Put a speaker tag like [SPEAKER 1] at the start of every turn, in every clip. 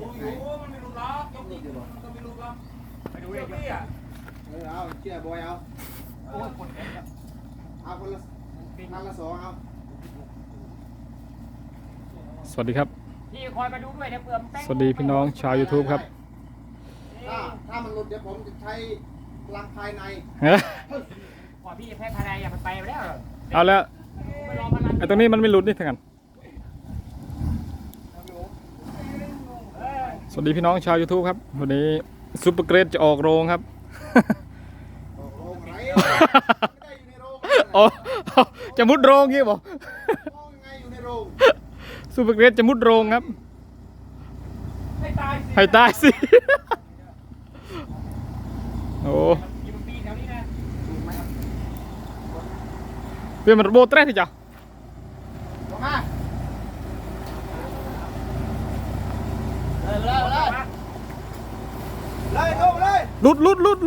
[SPEAKER 1] มันไม่รู้ล็อกยกนี่มันก็ไม่รู้ล็อกไปดูเลยพี่อ่ะ
[SPEAKER 2] เอาเชื่อบอยเอา
[SPEAKER 1] โอ้ยคนเอ็นอ่ะ
[SPEAKER 2] เอาคนละนัดละ2เอา
[SPEAKER 3] สวัสดีครับ
[SPEAKER 1] พี่คอยมาดูด้วยนะเปลือกแป้ง
[SPEAKER 3] สวัสดีพี่น้องชาว YouTube ครับ
[SPEAKER 2] ถ้ามันหลุดเดี๋ยวผมจะใช้พลังภายใน
[SPEAKER 1] พอพี่แพ้ภายในอย่าไปแล้ว
[SPEAKER 3] เอาแล้วไอ้ตรงนี้มันไม่หลุดนี่ทั้งนั้นสวัสดีพี่น้องชาว YouTube ครับวันนี้ซุปเปอร์เกรดจะออกโรงครับ
[SPEAKER 2] โรงไรไม่ได้อยู่ในโรง
[SPEAKER 3] อ๋อจะมุดโรงงี้บอก
[SPEAKER 2] ไงอยู่ในโรง
[SPEAKER 3] ซุปเปอร์เกรดจะมุดโรงครับ
[SPEAKER 1] ให้ตาย
[SPEAKER 3] ให้ตายสิโอ้
[SPEAKER 1] อยู่ปีแถวนี้นะ
[SPEAKER 3] เพื่อนมันโบเตรสที่จ้ะ
[SPEAKER 2] ลงมาเลยลงเลย
[SPEAKER 3] ลุด
[SPEAKER 2] ไป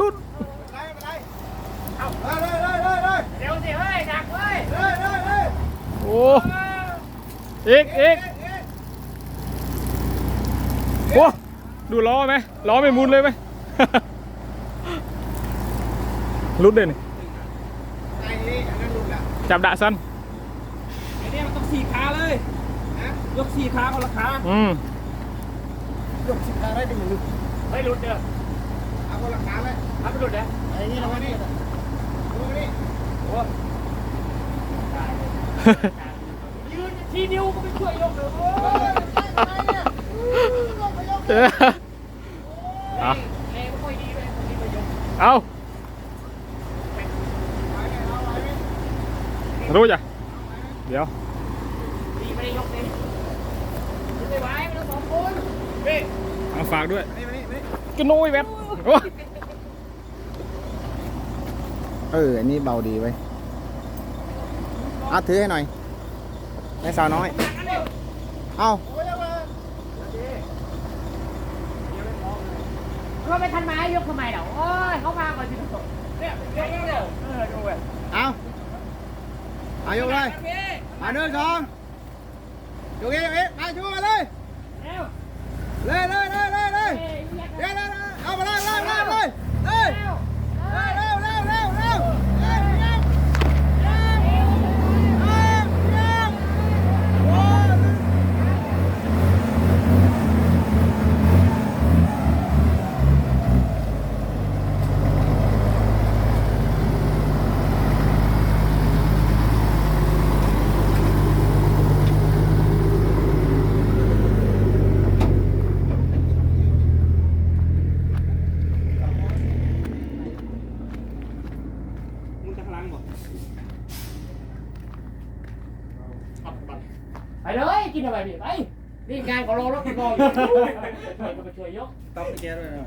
[SPEAKER 2] เอาเลย
[SPEAKER 1] เดี๋ยวสิเฮ้ยดักเฮ้ย
[SPEAKER 3] โอ้อีกโอ้ดูล้อไหมล้อไม่มุนเลยไหม ลุดเลยนี่
[SPEAKER 2] ไอ้นี่อันนั้นหลุดละ
[SPEAKER 3] จับดะสัน
[SPEAKER 1] ไอ้เนี่ยมันต้อง4 ขาเลยยก4 ขาคนละขา
[SPEAKER 2] หลุด10 ขาได้ดึงหลุด
[SPEAKER 1] เฮ้ยหลุดเด้อ
[SPEAKER 2] เอาคนละขาเลย
[SPEAKER 1] ทำไปหลุดเด้อ
[SPEAKER 2] ไอ้นี่ลงมานี่ลงมานี่
[SPEAKER 1] โอ้ตายเลยยืนทีนิ้วก็ไม่ช่วยยกเลยโอ้ย
[SPEAKER 3] เอา
[SPEAKER 1] เองไม่ค่อยดีเลยคนนี้มายก
[SPEAKER 3] เอารู้จ้ะเดี๋ยว
[SPEAKER 1] ดีไม่ได้ยกเลยไม่ไหวไม่ต้อง2 คนพี่
[SPEAKER 3] เอาฝากด้วย
[SPEAKER 2] นี่
[SPEAKER 3] กระนุยแวบโอ้
[SPEAKER 2] อันนี้เบาดีไว้เอาถือให้หน่อยแม่สาวน้อยเอา
[SPEAKER 1] เราไปทันไม้ยกทำไมเดี๋ยวโอ้ยเขามาก่อนสิทุกคนเนี่ยเร็วดูเว้ย
[SPEAKER 2] เอายกเลยมา1 2ยกเองมาชูมาเลย
[SPEAKER 1] เร็ว
[SPEAKER 2] เลยเอามาเลยเร็ว
[SPEAKER 1] มึงจะพลังบ่ไปเลยกินอะไรดิไปนี่งานของเราแล้วคุณรออยู่ไปช่วยยก
[SPEAKER 2] ต้องไปเจอเลย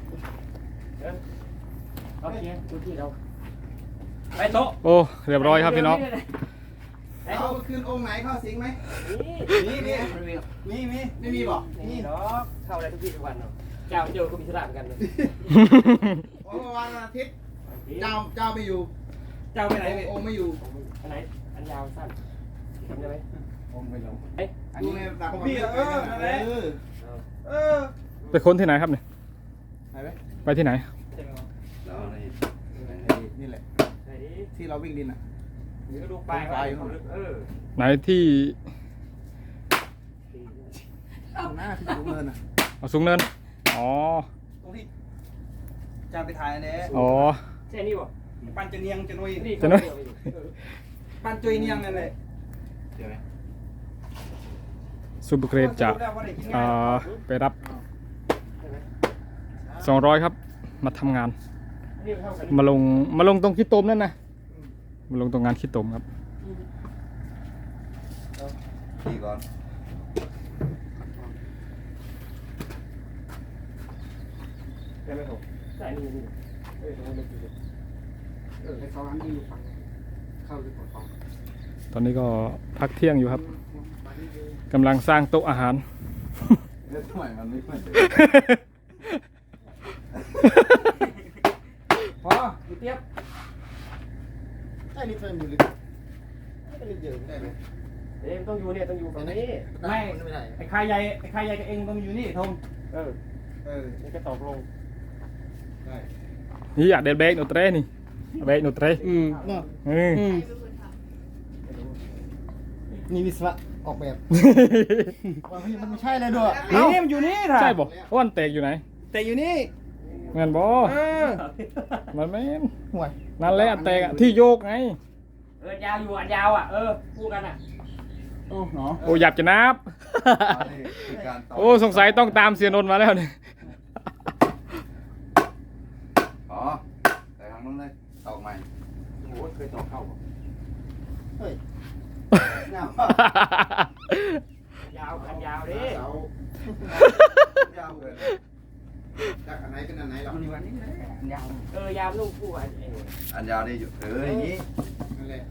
[SPEAKER 1] โอเคดูที่เราไปโต๊ะ
[SPEAKER 3] โอ้เรียบร้อยครับพี่น้อง
[SPEAKER 2] เอาคืนองค์ไหนเข้าสิงไหมไม่มีบอก
[SPEAKER 1] นี่เนาะเข้าอะไรทุกที่ทุกวันเนาะเจ้าเจอก็มีสระเหมือนกันเลย
[SPEAKER 2] เพราะว่าวันอาทิตย์เจ้าไม่อยู่
[SPEAKER 1] เจ้าไปไหนพี่
[SPEAKER 2] องค์ไม่อยู่
[SPEAKER 1] อันไหนอันยาวสั้นทำได้ไหม
[SPEAKER 2] องค์ไม่ลง
[SPEAKER 1] เอ๊ะ
[SPEAKER 2] อันนี้ตักพี่
[SPEAKER 3] ไปค้นที่ไหนครับเนี่ย
[SPEAKER 2] ไหนไหม
[SPEAKER 3] ไปที่ไหน
[SPEAKER 2] นี่แหละ
[SPEAKER 1] ไหนดิ
[SPEAKER 2] ที่เราวิ่งดินอ่ะ
[SPEAKER 1] หรือดูไป
[SPEAKER 3] ไหนที่
[SPEAKER 2] หน้าที่สูงเนินอ่ะ
[SPEAKER 3] เอาสูงเนินอ๋อ
[SPEAKER 2] ตรงที่จานไปถ่ายอันนี้
[SPEAKER 3] อ๋อ
[SPEAKER 1] ใช่นี่บ่
[SPEAKER 2] ปันจะเนียงจะนุย
[SPEAKER 3] จะนุ้ย
[SPEAKER 2] ปันจุยเนียงนั่นเลยเดี๋ยวไหม
[SPEAKER 3] ซูเปอร์เกรดจะไปรับ200ครับมาทำงานมาลงตรงขี้ตมนั่นนะมาลงตรงงานขี้ตมครับ
[SPEAKER 2] ขี่ก่อน
[SPEAKER 1] ได้ไหมผมใช่นี่ตรงนั้นให้เขาอันที่อยู่ฝั่งเข้าไปฝั่ง
[SPEAKER 3] ตอนนี้ก็พักเที่ยงอยู่ครับกำลังสร้างโต๊ะอาหาร
[SPEAKER 2] แล้วทำไมมันไม่ค่อยพอ
[SPEAKER 1] อยู่เทียบ
[SPEAKER 2] ไอ้นี่เพิ่มอยู่ลึกไม่ได้เยอะได้ไหม
[SPEAKER 1] ต้องอยู่เนี่ยต้องอยู่ฝั่งนี้
[SPEAKER 2] ไม่ได้
[SPEAKER 1] ไอ้คายใหญ่กับเองต้องอยู่นี่ทงมันจะตกลง
[SPEAKER 3] นี่อยากเดินเบรกหนูเตรนี่เบรกหนูเตร
[SPEAKER 1] เนาะ นี่วิศวะออกแบบมันไม่ใช่เลยด้วยนี่มันอยู่นี่ถ่ะ
[SPEAKER 3] ใช่บ่วันเตกอยู่ไหน
[SPEAKER 1] แต่อยู่นี่
[SPEAKER 3] แม่นบ่มันแม่น
[SPEAKER 1] ห่วย
[SPEAKER 3] นั่นแหละอันเตกอะที่โยกไง
[SPEAKER 4] ยาวอยู่อันยาวอ่ะพูดกันอ่ะ
[SPEAKER 1] โอ้เนาะ
[SPEAKER 3] โอ้หยับจะนับ โอ้สงสัยต้องตามเสียนนท์มาแล้วเนี่ย
[SPEAKER 2] อ๋อแต่ทางนู้นเลยตอกใหม่
[SPEAKER 1] โอ้เคยต่อเข้าป่ะเฮ้ย
[SPEAKER 4] ยาวอันยาวดิ
[SPEAKER 2] ยาวเลยจากอันไหนเป็นอันไหนหรอ
[SPEAKER 4] มันอยู่อันนี้เลยอันยาวยาวลูกคู่อัน
[SPEAKER 2] อันยาวนี่อยู่อย่างนี้
[SPEAKER 1] นั่นแหละ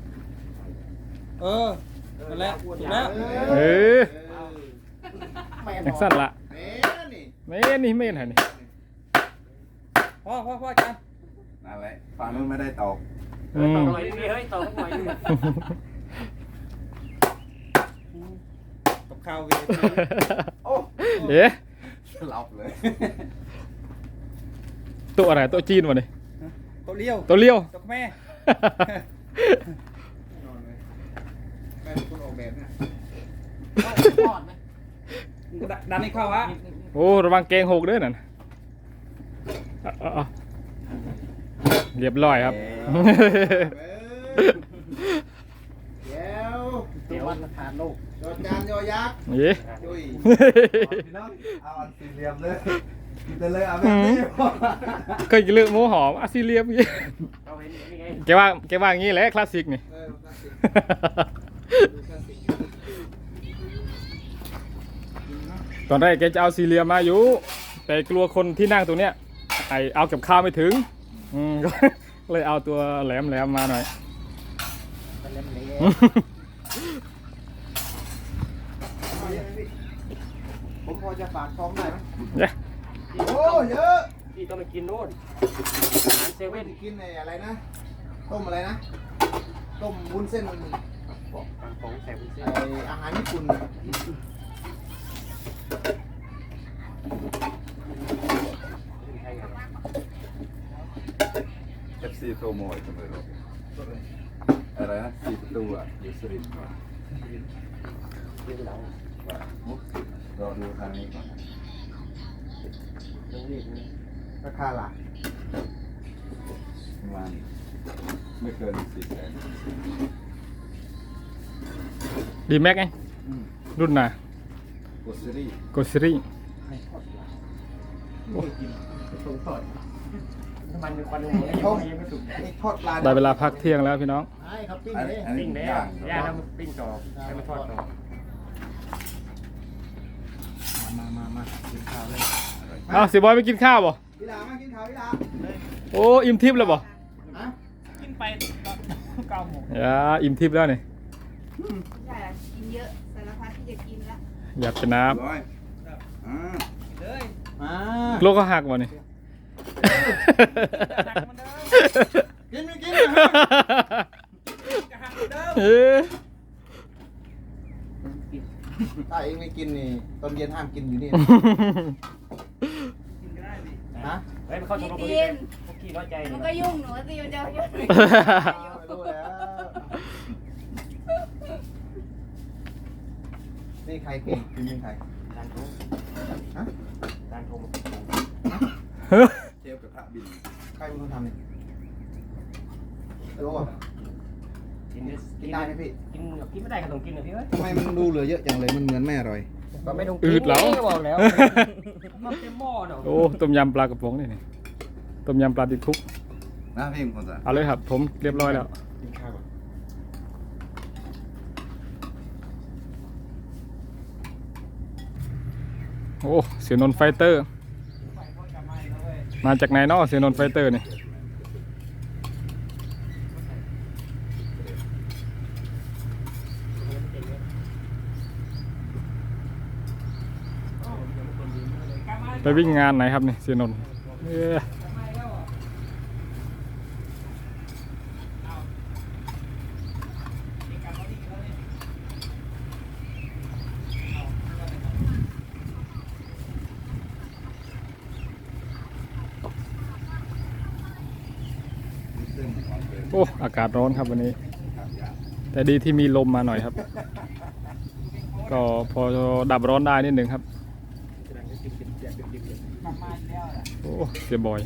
[SPEAKER 1] นั่นแหละถูกแล้ว
[SPEAKER 3] เออ
[SPEAKER 1] แม่
[SPEAKER 3] จังสั้นละ
[SPEAKER 2] เอ๊ะนี่
[SPEAKER 3] เม่นี่เม่นไหนนี่
[SPEAKER 1] พ่อจัน
[SPEAKER 2] นั่นแหละฝั่งนู้นไม่ได้ตอก
[SPEAKER 3] อืม
[SPEAKER 4] ต่อหน่อยดิเฮ้ยต่อสักหน่อยดิ
[SPEAKER 1] กับข้าวเวที
[SPEAKER 2] โอ้
[SPEAKER 3] เอ๊ะ
[SPEAKER 2] หลับเลย
[SPEAKER 3] ตัวอะไรตัวจีนวะนี่
[SPEAKER 1] ตัวเลี้ยว
[SPEAKER 3] ตัวเลี้ยว
[SPEAKER 1] ตัวแม่นอนเลยแม่เป็นคนออกแบบเนี่ยรอดไหมดันให้เข้าฮะ
[SPEAKER 3] โอ้ระวังเกงหกด้วยนั่นเอาเรียบร้อยครับ
[SPEAKER 1] เดี๋ยววันละทานโลก
[SPEAKER 2] ยอดจานยอยักษ์
[SPEAKER 3] เย้
[SPEAKER 2] ยุยพี่น้องเอาอันสี่เหลี่ยมเลยกินไปเลยเอาแบบนี้
[SPEAKER 3] เคยกินเลือกหมูหอมอาซิเลียมยี่
[SPEAKER 4] เอาเห็นนี่ไง
[SPEAKER 3] แกว่าอย่างนี้แหละคลาสสิกนี่ ตอนแรกแกจะเอาซีเรียมมาอยู่ แต่กลัวคนที่นั่งตรงเนี้ยเอากับข้าวไม่ถึงก็เลยเอาตัวแหลมมาหน่อย
[SPEAKER 1] เป็นเล่มเล็กผมพอจะฝากท้องได้ไหม
[SPEAKER 3] เนี่ย
[SPEAKER 2] โอ้เยอะ
[SPEAKER 4] พี่ต้องไปกินโน่นอาหารเซ
[SPEAKER 2] เว้
[SPEAKER 4] เว่
[SPEAKER 2] น
[SPEAKER 4] น
[SPEAKER 2] กินอะไรนะต้มอะไรนะต้มวุ้นเส้น
[SPEAKER 4] ของแซ่บเส้น
[SPEAKER 2] อาหารญี่ปุ่น FC โตโมยเสมออะไรนะ4 ประตูอ่ะอยู่สุรินทร์ก่อน
[SPEAKER 4] ยืนหลัง
[SPEAKER 2] มุกรอดูทางนี้ก่อน
[SPEAKER 4] ตรงนี้
[SPEAKER 2] ราคาหลักประมาณไม่เกิน400,000
[SPEAKER 3] ดีแม็กไงรุ่นน่ะ
[SPEAKER 2] โกสซี่
[SPEAKER 3] โกซิรี่
[SPEAKER 1] ตรงต่อย
[SPEAKER 4] น้ำมันเป็นควันหัวยังไม่สุก
[SPEAKER 2] นี่ทอดปลา
[SPEAKER 3] ได้เวลาพักเที่ยงแล้วพี่น้อง
[SPEAKER 1] ใช่ครับปิ้ง
[SPEAKER 2] อัน
[SPEAKER 1] เล
[SPEAKER 2] นี้
[SPEAKER 1] ย
[SPEAKER 2] อันนี้
[SPEAKER 4] ปิ้งแล้ว
[SPEAKER 2] ย่าง
[SPEAKER 4] ย่างแล้วปิ้งต่อให้มันทอดต่อ
[SPEAKER 1] มากินข้าวเลย
[SPEAKER 3] เอาเสียบอยไม่กินข้าวบ่
[SPEAKER 2] พี่ดามากินข้าวพี่ดา
[SPEAKER 3] โอ้อิ่มทิพย์แล้วบ่
[SPEAKER 2] ฮะ
[SPEAKER 1] กินไป9 โมง
[SPEAKER 3] อย่าอิ่มทิพย์แล้วนี่
[SPEAKER 5] ใช่ละกินเยอะสารพัดที่จะกินละ
[SPEAKER 3] อยากจะน้
[SPEAKER 2] ร้อย
[SPEAKER 1] เลย
[SPEAKER 2] มา
[SPEAKER 3] ำโลกก็หักบ่นี่
[SPEAKER 2] กินไม่กิน
[SPEAKER 3] เอ๊ะ
[SPEAKER 2] ถ้าเองไม่กินนี่ตอนเย็นห้ามกินอยู่นี่ฮะ
[SPEAKER 4] เฮ้ยมันเข้าชมรม
[SPEAKER 5] กิ
[SPEAKER 4] นี้
[SPEAKER 5] น
[SPEAKER 4] พวกขี้น้อยใจ
[SPEAKER 5] มันก็ยุ่งหนูสิมันจะยุ่ง
[SPEAKER 2] ไม่รู้แล้วนี่ใครเก่งกินเป็นใคร
[SPEAKER 4] การโทร
[SPEAKER 2] ฮะ
[SPEAKER 4] การโทร
[SPEAKER 2] เชฟกระทะบินใครเป็นคนทำเนี่ยรู้อ่ะ
[SPEAKER 4] กิน
[SPEAKER 2] กินได้ไหมพี่
[SPEAKER 4] กินไม่ได้ก็ต้องกินนะพี่เอ้ย
[SPEAKER 2] ทำไมมันดูเหลือเยอะจังเลยมันเหมือนไม่อร่อย
[SPEAKER 4] ก็ไม่ต้อง
[SPEAKER 3] อืดแล้ว
[SPEAKER 4] บอกแล้วมันเต็มหม้อเนาะ
[SPEAKER 3] โอ้ต้มยำปลากระป๋องนี่นี่ต้มยำปลาติดคุก
[SPEAKER 2] นะพี่เป็นคนสั่ง
[SPEAKER 3] เอาเลยครับ ผมเรียบร้อยแล้ว
[SPEAKER 2] กินข้าวก่อน
[SPEAKER 3] โอ้เสียนนท์ไฟเตอร์ มาจากไหนเนาะเสียนนท์ไฟเตอร์นี่ไปวิ่งงานไหนครับนี่เสียนนท์โอ้อากาศร้อนครับวันนี้ แต่ดีที่มีลมมาหน่อยครับ ก็พอดับร้อนได้นิดหนึ่งครับโอ้เสียบอย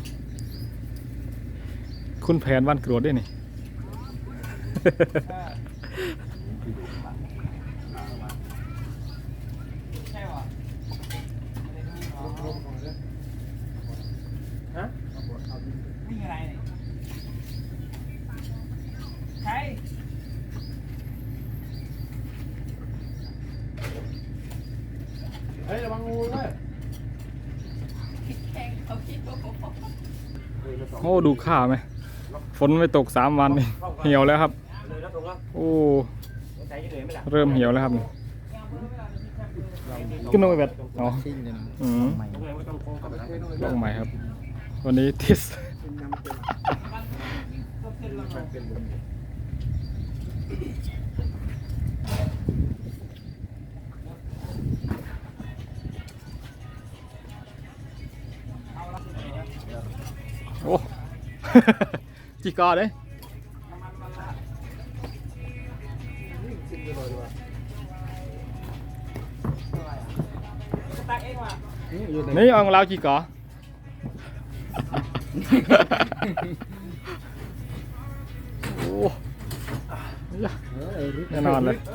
[SPEAKER 3] คุณแผนวันกรวดด้วยนี่
[SPEAKER 1] วิ่งอะไรเนี่ยใครเฮ้ยระวังงูด้วย
[SPEAKER 5] แข่งเขาคิดว่าผม
[SPEAKER 3] โอ้ดูข้าวไหมฝนไม่ตก3 วันนี่เหี่ยวแล้วครับ
[SPEAKER 4] เลยแล้วตรงแล้ว
[SPEAKER 3] โอ้
[SPEAKER 4] ใจเย็นๆไม่หลับ
[SPEAKER 3] เริ่มเหี่ยวแล้วครับนี่ขึ้นลงไปแบบอ๋อ
[SPEAKER 2] ชิ่งเลยนะ
[SPEAKER 3] อืม
[SPEAKER 2] ใหม่
[SPEAKER 4] ตรงไหนไม่ต้องโค้งกับนะ
[SPEAKER 3] ลงใหม่ครับ วันนี้ทิส
[SPEAKER 1] เป็นน้ำเป็นลม
[SPEAKER 3] โอ้ จีกอเลย
[SPEAKER 1] ซิมไปเลยดีกว่า
[SPEAKER 4] ตักเองว่ะ
[SPEAKER 3] นี่เอาของเราจีกอ โอ้แน่นอนเลย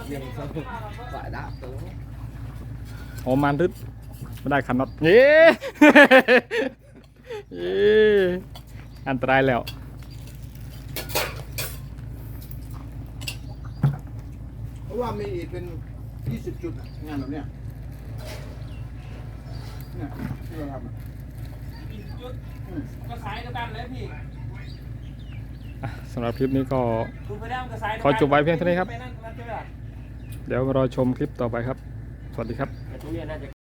[SPEAKER 3] โอ้มันรึดไม่ได้ขันน็อตเย้ เย้อันตรายแล้ว
[SPEAKER 1] เพราะว่ามีอีกเป็น20 จุดงานแบบเนี้ยเนี่ยที่เราทำ
[SPEAKER 4] ก็สายเดียวกันเลยพี่
[SPEAKER 3] สำหรับคลิปนี้ก็
[SPEAKER 4] คุณไปได้มันก็สาย
[SPEAKER 3] ขอจบไว้เพียงเท่านี้ครับ
[SPEAKER 4] ไปนั่นเจอ
[SPEAKER 3] เดี๋ยวมารอชมคลิปต่อไปครับ สวัสดีครับ
[SPEAKER 4] แต่ตรงนี้น่าจะ